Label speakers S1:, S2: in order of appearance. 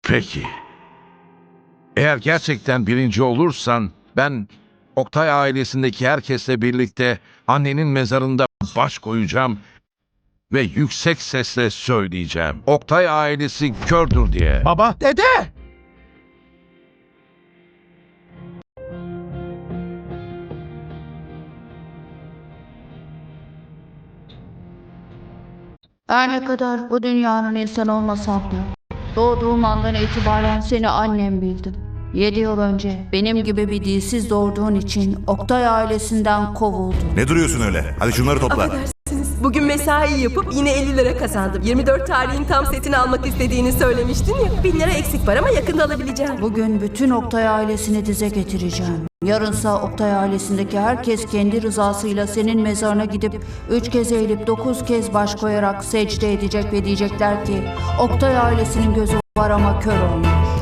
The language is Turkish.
S1: Peki. Eğer gerçekten birinci olursan ben Oktay ailesindeki herkesle birlikte annenin mezarında baş koyacağım ve yüksek sesle söyleyeceğim. Oktay ailesi kördür diye.
S2: Baba!
S3: Dede!
S4: Her ne kadar bu dünyanın insan olmasam da doğduğum andan itibaren seni annem bildim. 7 yıl önce benim gibi bir dilsiz doğurduğun için Oktay ailesinden kovuldum.
S5: Ne duruyorsun öyle? Hadi şunları topla.
S6: Affedersiniz. Bugün mesai yapıp yine 50 lira kazandım. 24 tarihin tam setini almak istediğini söylemiştin ya. 1000 lira eksik var ama yakında alabileceğim.
S4: Bugün bütün Oktay ailesini dize getireceğim. Yarınsa Oktay ailesindeki herkes kendi rızasıyla senin mezarına gidip 3 kez eğilip 9 kez baş koyarak secde edecek ve diyecekler ki Oktay ailesinin gözü var ama kör olmuş.